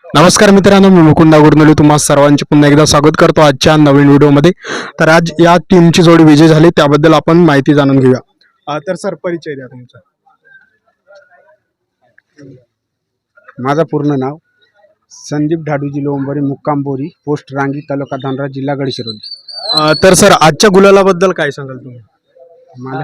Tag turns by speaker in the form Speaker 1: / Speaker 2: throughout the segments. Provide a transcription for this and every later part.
Speaker 1: नमस्कार मित्रांनो, मी मुकुंद गुरनुले तुम्हा सर्वांचे पुन्हा एकदा स्वागत करतो आजच्या नवीन व्हिडिओमध्ये. तर आज या टीमची जोडी विजय झाली त्याबद्दल आपण माहिती जाणून घेऊया. तर सर, परिचय द्या तुमचा.
Speaker 2: माझं पूर्ण नाव संदीप ढाडूजी लोंबरे, मुक्काम बोरी, पोस्ट रांगी, तालुका धानरा, जिल्हा गडचिरोली.
Speaker 1: तर सर, आजच्या गुलालाबद्दल काय सांगाल तुम्ही?
Speaker 2: मला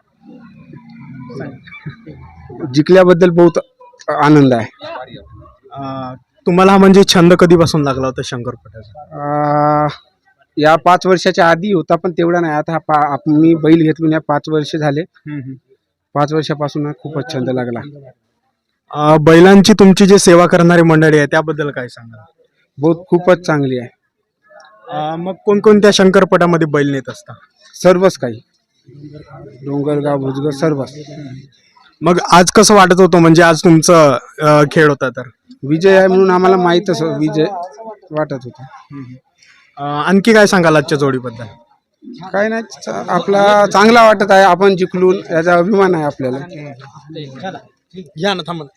Speaker 2: जिंकल्याबद्दल बहुत आनंद आहे.
Speaker 1: तुम्हाला हा म्हणजे छंद कधीपासून लागला होता शंकरपटाचा?
Speaker 2: या 5 वर्षाच्या आधी होता, पण तेवढा नाही. आता मी बैल घेतलून या 5 वर्ष झाले. 5 वर्षापासून खूपच छंद लागला.
Speaker 1: बैलांची तुमची जी सेवा करणारी मंडळी आहे त्याबद्दल काय सांगाल?
Speaker 2: बहुत खूपच चांगली आहे.
Speaker 1: मग कोणकोणत्या शंकरपटामध्ये बैल नेत असता?
Speaker 2: सर्वच काही, डोंगरगाव, भुजगर, सर्वच.
Speaker 1: मग आज कसं वाटत होतं, म्हणजे आज तुमचं खेळ होता तर?
Speaker 2: विजय आहे म्हणून आम्हाला माहीतच विजय वाटत होता.
Speaker 1: आणखी काय सांगाल आजच्या जोडीबद्दल?
Speaker 2: काय नाही, आपला चांगला वाटत आहे. आपण जिंकलून याचा अभिमान आहे आपल्याला.
Speaker 1: या ना, थांबा.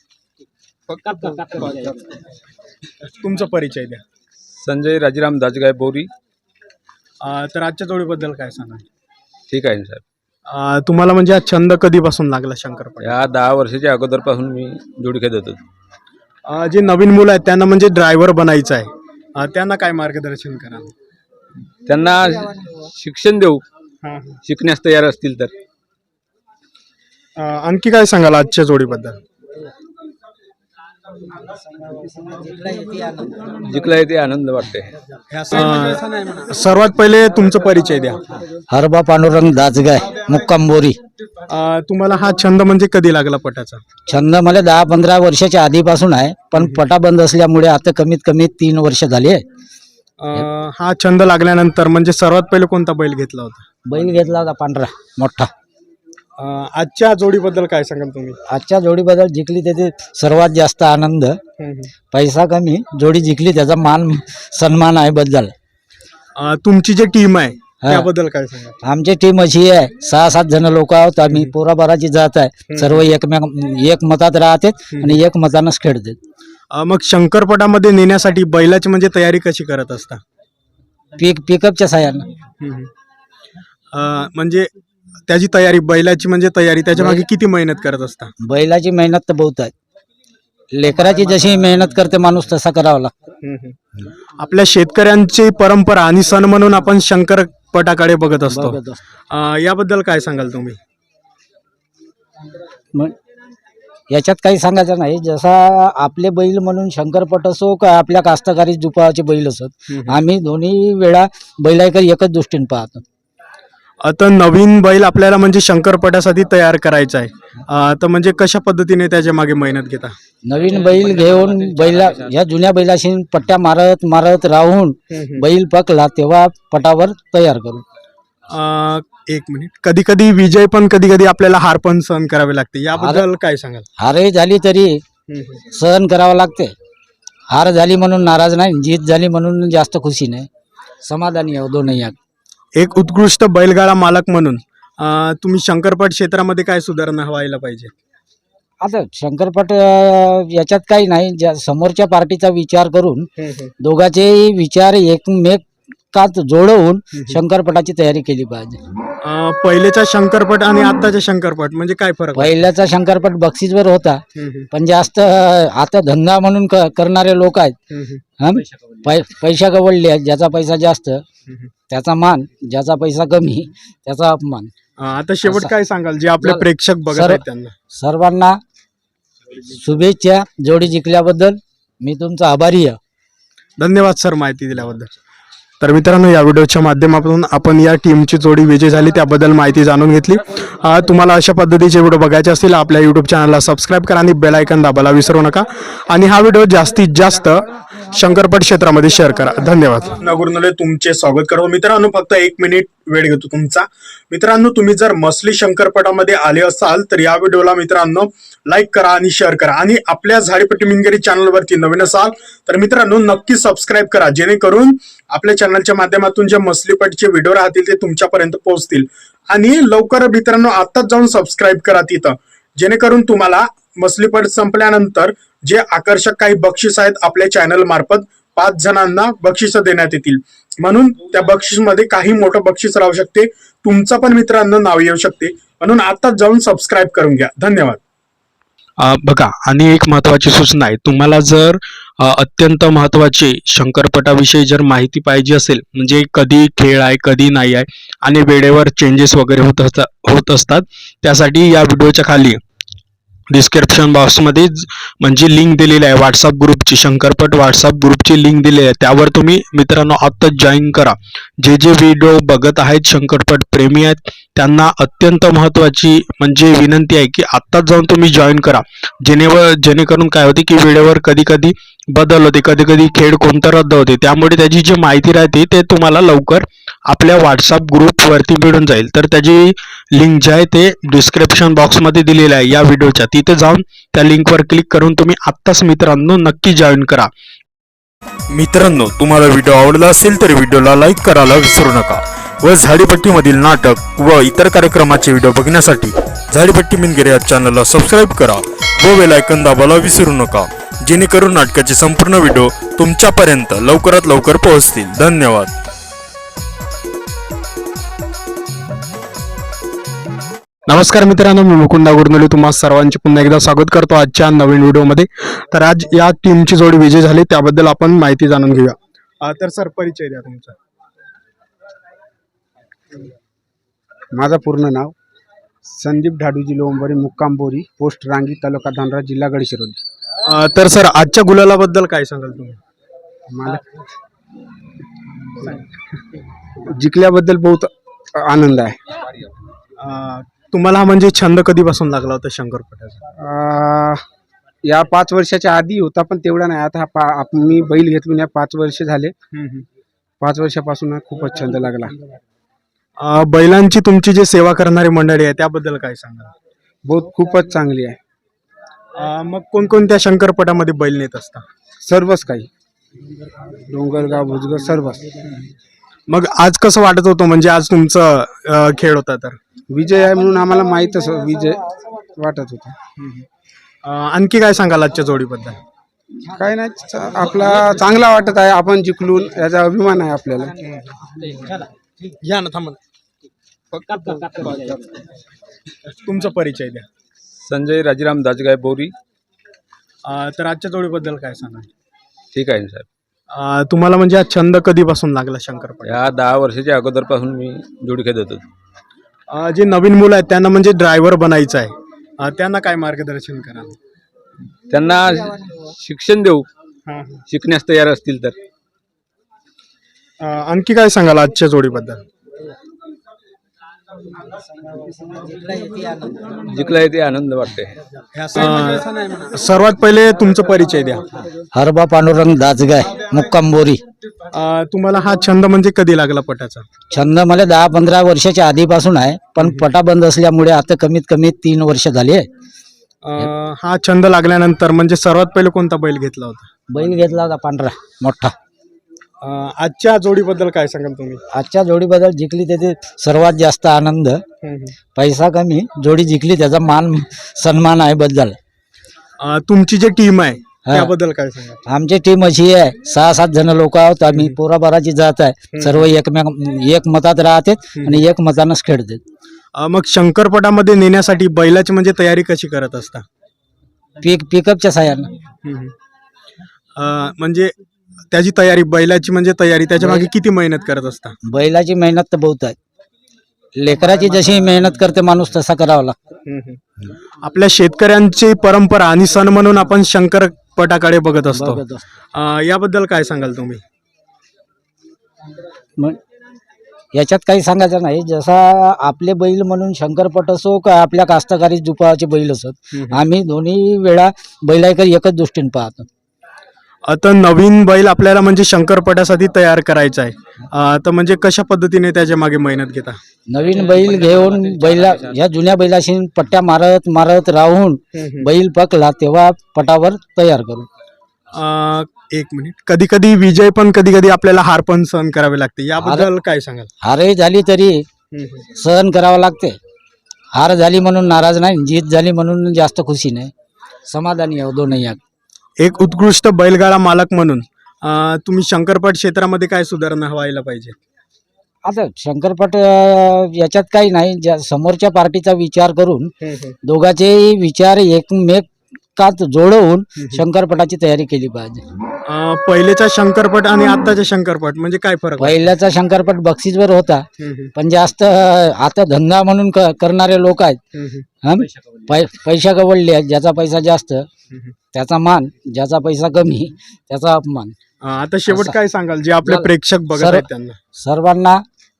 Speaker 1: तुमचा परिचय द्या.
Speaker 3: संजय राजीराम दाजगाय बोरी.
Speaker 1: तर आजच्या जोडीबद्दल काय सांगाल?
Speaker 3: ठीक आहे ना साहेब.
Speaker 1: तुम्हाला म्हणजे हा छंद कधीपासून लागला शंकरपट?
Speaker 3: या 10 वर्षाच्या अगोदरपासून मी जोडी खेळत होतो.
Speaker 1: जे नवीन मुलं आहेत त्यांना म्हणजे ड्रायव्हर बनायचं आहे, त्यांना काय मार्गदर्शन कराल?
Speaker 3: त्यांना शिक्षण देऊ, शिकण्यास तयार असतील तर.
Speaker 1: आणखी काय सांगाल आजच्या जोडीबद्दल?
Speaker 3: जिंकला येते आनंद वाटते.
Speaker 1: सर्वात पहिले तुमचा परिचय द्या.
Speaker 4: हरबा पांडुरंग दाजगाय, मुक्काम बोरी.
Speaker 1: तुम्हाला हा छंद म्हणजे कधी लागला पटाचा?
Speaker 4: छंद मला 10-15 वर्षाच्या आधीपासून आहे, पण पटा बंद असल्यामुळे आता कमीत कमी 3 वर्ष झाली.
Speaker 1: हा छंद लागल्यानंतर म्हणजे सर्वात पहिले कोणता बैल घेतला होता?
Speaker 4: बैल घेतला होता पांढरा मोठा.
Speaker 1: आजच्या जोडीबद्दल काय सांगाल तुम्ही?
Speaker 4: आजच्या जोडीबद्दल जिंकली त्याचे सर्वात जास्त आनंद. पैसा कमी, जोडी जिंकली त्याचा मान सन्मान आहे बद्दल.
Speaker 1: तुमची जी टीम आहे त्याबद्दल काय सांगाल?
Speaker 4: आमची टीम अशी आहे, 6-7 जण लोक आहोत आम्ही. पोराबाराची जात आहे. सर्व एक मतात राहते आणि एक मतानच खेळते.
Speaker 1: मग शंकरपटामध्ये नेण्यासाठी बैलाची म्हणजे तयारी कशी करत असता?
Speaker 4: पिकअपच्या साह्यानं.
Speaker 1: म्हणजे त्याची तयारी, बैलाची म्हणजे तयारी, त्याच्या मागे किती मेहनत करत असता?
Speaker 4: बैलाची मेहनत तर बहुत आहे. लेकराची जशी मेहनत करते माणूस तसा करावा लागतो.
Speaker 1: आपल्या शेतकऱ्यांची परंपरा आणि सण म्हणून आपण शंकरपटाकडे बघत असतो. याबद्दल काय सांगाल तुम्ही?
Speaker 4: याच्यात काही सांगायचं नाही. जसा आपले बैल म्हणून शंकरपट असो का आपल्या कास्तकारी जुपाचे बैल असत, आम्ही दोन्ही वेळा बैलाकडे एकच दृष्टीने पाहतो.
Speaker 1: आता नवीन बैल आपल्याला म्हणजे शंकरपटासाठी तयार करायचा आहे, तर म्हणजे कशा पद्धतीने त्याच्या मागे मेहनत घेता?
Speaker 4: नवीन बैल घेऊन बैला ह्या जुन्या बैलाशी पट्ट्या मारत मारत राहून बैल पकला तेव्हा पटावर तयार करू.
Speaker 1: एक मिनिट. कधी कधी विजय पण, कधी कधी आपल्याला हार पण सहन करावे लागते, याबद्दल काय सांगाल?
Speaker 4: हारही झाली तरी सहन करावं लागते. हार झाली म्हणून नाराज नाही, जीत झाली म्हणून जास्त खुशी नाही, समाधानी आहे दोनही.
Speaker 1: एक उत्कृष्ट बैलगाडा मालक म्हणून तुम्ही शंकरपट क्षेत्रामध्ये काय सुधारणा व्हायला पाहिजे?
Speaker 4: आता शंकरपट याच्यात काही नाही, समोरच्या पार्टीचा विचार करून दोघांचेही विचार एकमेकात जोडवून शंकरपटाची तयारी केली पाहिजे.
Speaker 1: पहिलेचा शंकरपट आणि आताचा शंकरपट म्हणजे काय फरक?
Speaker 4: पहिल्याचा शंकरपट बक्षीसवर होता, पण जास्त आता धंदा म्हणून करणारे लोक आहेत. पैसा गवळले आहेत. ज्याचा पैसा जास्त त्याचा मान, ज्याचा पैसा कमी त्याचा अपमान.
Speaker 1: आता शेवट काय सांगाल जे आपले प्रेक्षक बघत आहेत त्यांना?
Speaker 4: सर्वांना शुभेच्छा जोडी जिंकल्याबद्दल. मी तुमचा आभारी आहे.
Speaker 1: धन्यवाद सर माहिती दिल्याबद्दल. तर मित्रांनो, या व्हिडिओच्या माध्यमातून आपण या टीमची जोडी विजय झाली त्याबद्दल माहिती जाणून घेतली. तुम्हाला अशा पद्धतीचे व्हिडिओ बघायचे असतील आपल्या यूट्यूब चॅनलला सबस्क्राईब करा आणि बेल आयकॉन दाबायला विसरू नका. आणि हा व्हिडिओ जास्तीत जास्त शंकरपट क्षेत्रामध्ये शेअर करा. धन्यवाद. नगुरनुले तुमचे स्वागत करतो. मित्रांनो, फक्त 1 मिनिट वेळ घेतो तुमचा. मित्रांनो, तुम्ही जर मसली शंकरपटामध्ये आले असाल तर या व्हिडिओला मित्रांनो लाईक करा आणि शेअर करा. आणि आपल्या झाडीपट्टी मिनगिरी चॅनलवरती नवीन असाल तर मित्रांनो नक्की सबस्क्राईब करा, जेणेकरून आपल्या चॅनलच्या माध्यमातून जे मसलीपटचे व्हिडिओ राहतील ते तुमच्यापर्यंत पोहोचतील. आणि लवकर मित्रांनो आताच जाऊन सबस्क्राईब करा तिथं, जेणेकरून तुम्हाला मसलीपट संपल्यानंतर जे आकर्षक काही बक्षीस आहेत आपल्या चॅनल मार्फत 5 जणांना बक्षीस देण्यात येतील. म्हणून त्या बक्षीसमध्ये काही मोठं बक्षीस राहू शकते, तुमचं पण मित्रांनो नाव येऊ शकते. म्हणून आताच जाऊन सबस्क्राईब करून घ्या. धन्यवाद. बघा, आणि एक महत्वाची सूचना आहे, तुम्हाला जर अत्यंत महत्वाची शंकरपटाविषयी जर माहिती पाहिजे असेल, म्हणजे कधी खेळ आहे कधी नाही आहे आणि वेळेवर चेंजेस वगैरे होत असतात, त्यासाठी या व्हिडिओच्या खाली डिस्क्रिप्शन बॉक्समध्ये म्हणजे लिंक दिलेली आहे व्हॉट्सअप ग्रुपची, शंकरपट व्हॉट्सअप ग्रुपची लिंक दिलेली आहे. त्यावर तुम्ही मित्रांनो आत्ताच जॉईन करा. जे व्हिडिओ बघत आहेत शंकरपट प्रेमी आहेत त्यांना अत्यंत महत्त्वाची म्हणजे विनंती आहे की आत्ताच जाऊन तुम्ही जॉईन करा. जेणेकरून काय होते की वेळेवर कधी कधी बदल होते, कधी कधी खेळ कोणता रद्द होते, त्यामुळे त्याची जी माहिती राहते ते तुम्हाला लवकर आपल्या व्हॉट्सअप ग्रुपवरती मिळून जाईल. तर त्याची लिंक जी आहे ते डिस्क्रिप्शन बॉक्समध्ये दिलेली आहे या व्हिडिओच्या. तिथे जाऊन त्या लिंकवर क्लिक करून तुम्ही आत्ताच मित्रांनो नक्की जॉईन करा.
Speaker 5: मित्रांनो, तुम्हाला व्हिडिओ आवडला असेल तर व्हिडिओला लाईक करायला विसरू नका व झाडीपट्टीमधील नाटक व इतर कार्यक्रमाचे व्हिडिओ बघण्यासाठी झाडीपट्टी मिनगिरे या चॅनलला सबस्क्राईब करा व बेल आयकॉन दाबायला विसरू नका, जेणेकरून नाटकाचे संपूर्ण व्हिडिओ तुमच्यापर्यंत लवकरात लवकर पोहोचतील. धन्यवाद.
Speaker 1: नमस्कार मित्रांनो, मी मुकुंद गुरनुले तुम्हा सर्वांचे पुन्हा एकदा स्वागत करतो आजच्या नवीन व्हिडिओमध्ये. तर आज या टीमची जोडी विजय झाली त्याबद्दल आपण माहिती जाणून घेऊया. तर सर, परिचय द्या तुमचा.
Speaker 2: माझं पूर्ण नाव संदीप ढाडूजी लोंबरे, मुक्काम बोरी, पोस्ट रांगी, तालुका धानरा, जिल्हा गडचिरोली.
Speaker 1: तर सर, आजच्या गुलालाबद्दल काय सांगाल तुम्ही?
Speaker 2: मला जिंकल्याबद्दल बहुत आनंद आहे.
Speaker 1: तुम्हाला म्हणजे छंद कधीपासून लागला होता शंकरपटाचा?
Speaker 2: या 5 वर्षाच्या आधी होता, पण तेवढा नाही. आता मी बैल घेतलो या 5 वर्ष झाले. 5 वर्षापासून खूपच छंद लागला.
Speaker 1: बैलांची तुमची जे सेवा करणारी मंडळी आहे त्याबद्दल काय सांगाल?
Speaker 2: बहुत खूपच चांगली आहे.
Speaker 1: मग कोणकोणत्या शंकरपटामध्ये बैल नेत असता?
Speaker 2: सर्वच काही, डोंगरगाव, भुजगर, सर्वच.
Speaker 1: मग आज कसं वाटत होतं, म्हणजे आज तुमचं खेळ होता तर?
Speaker 2: विजय आहे म्हणून आम्हाला माहीतच विजय वाटत होता.
Speaker 1: आणखी काय सांगाल आजच्या जोडीबद्दल?
Speaker 2: काय नाही, आपला चांगला वाटत आहे. आपण जिंकलून याचा अभिमान आहे आपल्याला.
Speaker 1: घ्या ना, थांबा. तुमचा परिचय द्या.
Speaker 3: संजय राजीराम दाजगाय बोरी.
Speaker 1: तर आजच्या जोडीबद्दल काय सांगाल?
Speaker 3: ठीक आहे साहेब.
Speaker 1: तुम्हाला म्हणजे हा छंद कधीपासून लागला शंकरपट?
Speaker 3: या 10 वर्षाच्या अगोदरपासून मी जोडी खेळत होतो.
Speaker 1: जे नवीन मुलं आहेत त्यांना म्हणजे ड्रायव्हर बनायचं आहे, त्यांना काय मार्गदर्शन करा?
Speaker 3: त्यांना शिक्षण देऊ, शिकण्यास तयार असतील तर.
Speaker 1: आणखी काय सांगाल आजच्या जोडीबद्दल?
Speaker 3: जिंकला येते आनंद वाटते.
Speaker 1: सर्वात पहिले तुमचा परिचय द्या.
Speaker 4: हरबा पांडुरंग दाजगाय, मुक्काम बोरी.
Speaker 1: तुम्हाला हा छंद म्हणजे कधी लागला पटाचा?
Speaker 4: छंद मला 10-15 वर्षाच्या आधीपासून आहे, पण पटा बंद असल्यामुळे आता कमीत कमी 3 वर्ष झाली आहे.
Speaker 1: हा छंद लागल्यानंतर म्हणजे सर्वात पहिले कोणता बैल घेतला होता?
Speaker 4: बैल घेतला होता पांढरा मोठा.
Speaker 1: आजच्या जोडीबद्दल काय सांगाल तुम्ही?
Speaker 4: आजच्या जोडीबद्दल जिंकली त्याचे सर्वात जास्त आनंद. पैसा कमी, जोडी जिंकली त्याचा मान सन्मान आहे बद्दल.
Speaker 1: तुमची जी टीम आहे त्याबद्दल काय सांगाल?
Speaker 4: आमची टीम अशी आहे, 6-7 जण लोक आहोत आम्ही. पोराबाराची जात आहे, सर्व एक मतात राहते आणि एक मतानच खेळते.
Speaker 1: मग शंकरपटामध्ये नेण्यासाठी बैलाची म्हणजे तयारी कशी करत असता?
Speaker 4: पिकअपच्या साह्यानं.
Speaker 1: म्हणजे त्याची तयारी, बैलाची म्हणजे तयारी, त्याच्या मागे किती मेहनत करत असता?
Speaker 4: बैलाची मेहनत तर बहुत आहे. लेकराची जशी मेहनत करते माणूस तसा करावा लागतो.
Speaker 1: आपल्या शेतकऱ्यांची परंपरा आणि सण म्हणून आपण शंकरपटाकडे बघत असतो. याबद्दल काय सांगाल तुम्ही?
Speaker 4: मग याच्यात काही सांगायचं नाही. जसा आपले बैल म्हणून शंकरपट असो का आपल्या कास्तकारी जुपाचे बैल असत, आम्ही दोन्ही वेळा बैलाकडे एकच दृष्टीने पाहतो.
Speaker 1: आता नवीन बैल आपल्याला म्हणजे शंकरपटासाठी तयार करायचा आहे, तर म्हणजे कशा पद्धतीने त्याच्या मागे मेहनत घेता?
Speaker 4: नवीन बैल घेऊन बैला या जुन्या बैलाशी पट्ट्या मारत मारत राहून बैल पकला तेव्हा पटावर तयार करू.
Speaker 1: एक मिनिट. कधी कधी विजय पण, कधी कधी आपल्याला हार पण सहन करावे लागते, याबद्दल काय सांगाल?
Speaker 4: हारही झाली तरी सहन करावं लागते. हार झाली म्हणून नाराज नाही, जीत झाली म्हणून जास्त खुशी नाही, समाधानी आहे दोनही.
Speaker 1: एक उत्कृष्ट बैलगाडा मालक म्हणून तुम्ही शंकरपट क्षेत्रामध्ये काय सुधारणा व्हायला पाहिजे?
Speaker 4: आता शंकरपट याच्यात काही नाही, ज्या समोरच्या पार्टीचा विचार करून दोघांचेही विचार एकमेकात जोडवून शंकरपटाची तयारी केली पाहिजे.
Speaker 1: पहिलेचा शंकरपट आणि आत्ताचा शंकरपट म्हणजे काय फरक आहे?
Speaker 4: पहिल्याचा शंकरपट बक्षीसवर होता, पण जास्त आता धंदा म्हणून करणारे लोक आहेत. पैसा गवळले आहेत, ज्याचा पैसा जास्त त्याचा मान, ज्याचा पैसा कमी त्याचा अपमान.
Speaker 1: आता शेवट काय सांगाल जे आपले प्रेक्षक बघत आहेत त्यांना?
Speaker 4: सर्वांना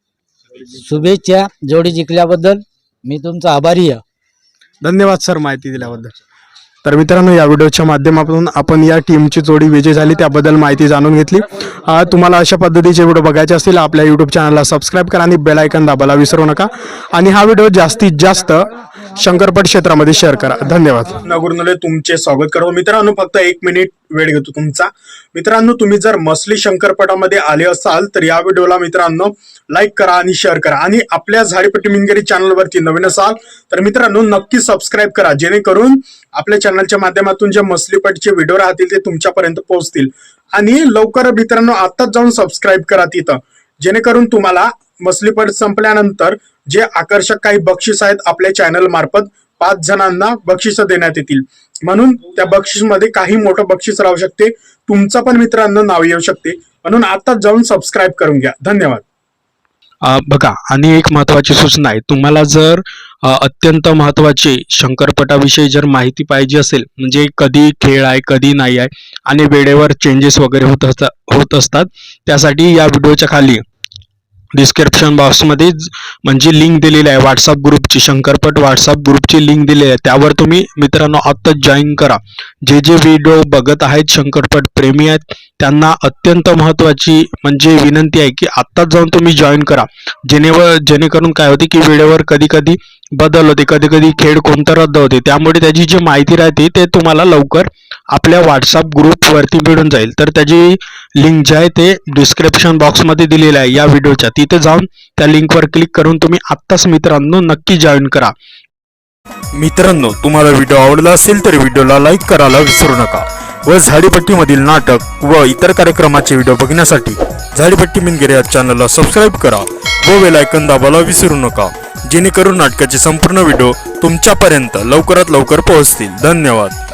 Speaker 4: शुभेच्छा जोडी जिंकल्याबद्दल. मी तुमचा आभारी आहे.
Speaker 1: धन्यवाद सर माहिती दिल्याबद्दल. तर मित्रांनो, या व्हिडिओच्या माध्यमातून आपण या टीमची जोडी विजय झाली त्याबद्दल माहिती जाणून घेतली. तुम्हाला अशा पद्धतीचे व्हिडिओ बघायचे असतील आपल्या यूट्यूब चॅनलला सबस्क्राईब करा आणि बेल आयकॉन दाबायला विसरू नका. आणि हा व्हिडिओ जास्तीत जास्त शंकरपट क्षेत्रामध्ये शेअर करा. धन्यवाद. नगुरनले तुमचे स्वागत करतो. मित्रांनो, फक्त 1 मिनिट वेळ घेतो तुमचा. मित्रांनो, तुम्ही जर मसली शंकरपटामध्ये आले असाल तर या व्हिडिओला मित्रांनो लाईक करा आणि शेअर करा. आणि आपल्या झाडीपट्टी मिनगिरी चॅनलवरती नवीन असाल तर मित्रांनो नक्की सबस्क्राईब करा, जेणेकरून आपल्या चॅनलच्या माध्यमातून जे मसलीपटचे व्हिडिओ राहतील ते तुमच्यापर्यंत पोहोचतील. आणि लवकर मित्रांनो आताच जाऊन सबस्क्राईब करा तिथं, जेणेकरून तुम्हाला मसलीपट संपल्यानंतर जे आकर्षक काही बक्षीस आहेत आपल्या चॅनल मार्फत 5 जणांना बक्षीस देण्यात येतील. म्हणून त्या बक्षीसमध्ये काही मोठं बक्षीस राहू शकते, तुमचं पण मित्रांनो नाव येऊ शकते. म्हणून आताच जाऊन सबस्क्राईब करून घ्या. धन्यवाद. बघा, आणि एक महत्वाची सूचना आहे, तुम्हाला जर अत्यंत महत्वाचे शंकरपटाविषयी जर माहिती पाहिजे असेल, म्हणजे कधी खेळ आहे कधी नाही आहे आणि वेळेवर चेंजेस वगैरे होत असतात, त्यासाठी या व्हिडिओच्या खाली डिस्क्रिप्शन बॉक्समध्ये म्हणजे लिंक दिलेली आहे व्हॉट्सअप ग्रुपची, शंकरपट व्हॉट्सअप ग्रुपची लिंक दिलेली आहे. त्यावर तुम्ही मित्रांनो आत्ताच जॉईन करा. जे व्हिडिओ बघत आहेत शंकरपट प्रेमी आहेत त्यांना अत्यंत महत्वाची म्हणजे विनंती आहे की आत्ताच जाऊन तुम्ही जॉईन करा, जेणेकरून काय होते की वेळेवर कधी कधी बदल होते, कधी कधी खेळ कोणता रद्द होते, त्यामुळे त्याची जी माहिती राहते ते तुम्हाला लवकर आपल्या व्हॉट्सअप ग्रुपवरती मिळून जाईल. तर त्याची लिंक जी आहे ते डिस्क्रिप्शन बॉक्समध्ये दिलेली आहे या व्हिडिओच्या, तिथे जाऊन त्या लिंकवर क्लिक करून तुम्ही आत्ताच मित्रांनो नक्की जॉईन करा.
Speaker 5: मित्रांनो, तुम्हाला व्हिडिओ आवडला असेल तर व्हिडिओला लाईक करायला विसरू नका व झाडीपट्टीमधील नाटक व इतर कार्यक्रमाचे व्हिडिओ बघण्यासाठी झाडीपट्टी मिनगिरे या चॅनलला सबस्क्राईब करा व बेल आयकॉन दाबायला विसरू नका, जेणेकरून नाटकाचे संपूर्ण व्हिडिओ तुमच्यापर्यंत लवकरात लवकर पोहोचतील. धन्यवाद.